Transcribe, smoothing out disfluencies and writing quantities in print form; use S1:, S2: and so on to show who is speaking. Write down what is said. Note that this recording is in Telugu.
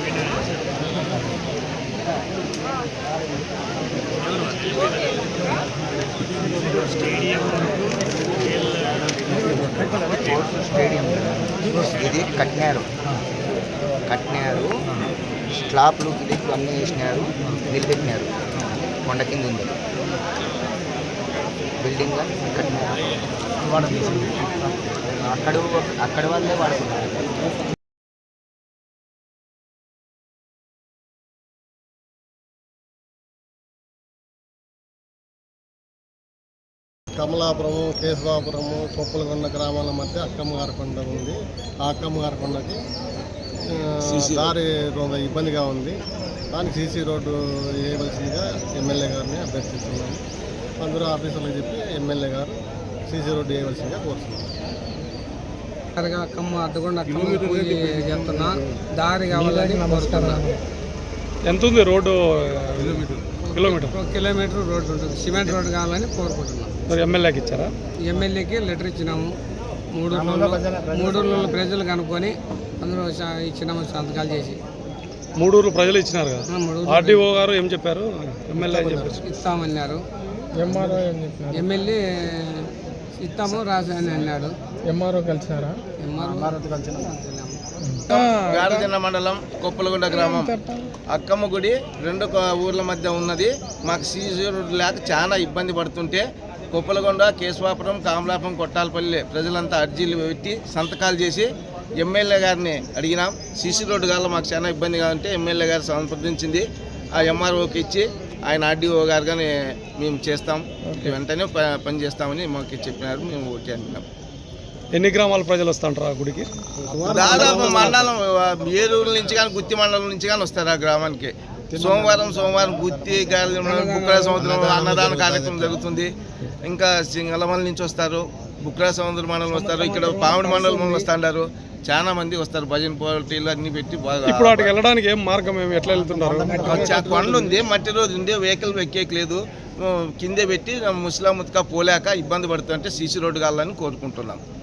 S1: స్టేడియం ఇది కట్టినారు స్లాబ్లు గిలిప్లు అన్నీ వేసినారు, నిలబెట్టినారు. కొండ కింద ఉంది బిల్డింగ్ కట్టినారు. అక్కడ వాళ్ళే వాడుకున్నారు.
S2: కమలాపురము, కేశవాపురము, కొప్పలకొండ గ్రామాల మధ్య అక్కమ్మగారి కొండ ఉంది. ఆ అక్కమ్మగారి కొండకి దారి ఇబ్బందిగా ఉంది. దానికి సీసీ రోడ్డు వేయవలసిందిగా ఎమ్మెల్యే గారిని అభ్యర్థిస్తున్నాము. అందరూ ఆఫీసర్లకు చెప్పి ఎమ్మెల్యే గారు సీసీ రోడ్డు వేయవలసిందిగా కోరుతున్నాం.
S3: అక్కమ్మ అడ్డగొండ చెప్తున్నా, దారి కావాలని కోరుతున్నాను.
S4: ఎంత ఉంది రోడ్డు?
S3: కిలోమీటర్ రోడ్డు ఉంటుంది. సిమెంట్ రోడ్డు కావాలని కోరుకుంటున్నాం.
S4: మరి ఎమ్మెల్యేకి ఇచ్చారా?
S3: ఎమ్మెల్యేకి లెటర్ ఇచ్చినాము. 3 ఊళ్ళ ప్రజలు కనుక్కొని అందరూ ఇచ్చినాము సంతకాలు చేసి.
S4: 3 ఊరు ప్రజలు ఇచ్చినారు కదా. ఆర్డీఓ గారు ఏం చెప్పారు? ఎమ్మెల్యే
S3: ఇస్తామన్నారు. ఎమ్మెల్యే ఇస్తాము రాసి అని అన్నాడు.
S4: ఎంఆర్ఓ కలిసారా?
S5: గారజన మండలం కొప్పలగొండ గ్రామం అక్కమ్మ గుడి 2 ఊర్ల మధ్య ఉన్నది. మాకు సీసీ రోడ్డు లేక చాలా ఇబ్బంది పడుతుంటే కొప్పలగొండ, కేశవాపురం, కామలాపురం, కొట్టాలపల్లి ప్రజలంతా అర్జీలు పెట్టి సంతకాలు చేసి ఎమ్మెల్యే గారిని అడిగినాం. సీసీ రోడ్డు కావాలి, మాకు చాలా ఇబ్బందిగా ఉంటే ఎమ్మెల్యే గారు సంప్రదించింది. ఆ ఎంఆర్ఓకి ఇచ్చి ఆయన ఆర్డీఓ గారు కానీ మేము చేస్తాం, వెంటనే పని చేస్తామని మాకు చెప్పినారు. మేము ఓకే అంటున్నాం.
S4: ఎన్ని గ్రామాల ప్రజలు వస్తుంటారు ఆ గుడికి?
S5: దాదాపు మండలం ఏలూరు నుంచి కానీ గుత్తి మండలం నుంచి కానీ వస్తారు ఆ గ్రామానికి. సోమవారం గుత్తి బుక్రా సముద్రం అన్నదాన కార్యక్రమం జరుగుతుంది. ఇంకా సింగళమల్ నుంచి వస్తారు, బుక్రా సముద్ర మండలం వస్తారు, ఇక్కడ పావుడి మండలం వస్తుంటారు. చాలా మంది వస్తారు. భజన పోటీలు అన్ని పెట్టి బాగా.
S4: ఇప్పుడు అటు వెళ్ళడానికి ఏం మార్గం, ఎట్లా వెళ్తున్నారు?
S5: కొండ ఉంది, మట్టి రోజు ఉంది, వెహికల్ ఎక్కేయలేదు. కిందే పెట్టి ముస్లాం ముత్కా పోలేక ఇబ్బంది పడుతుంటే సీసీ రోడ్డు కావాలని కోరుకుంటున్నాం.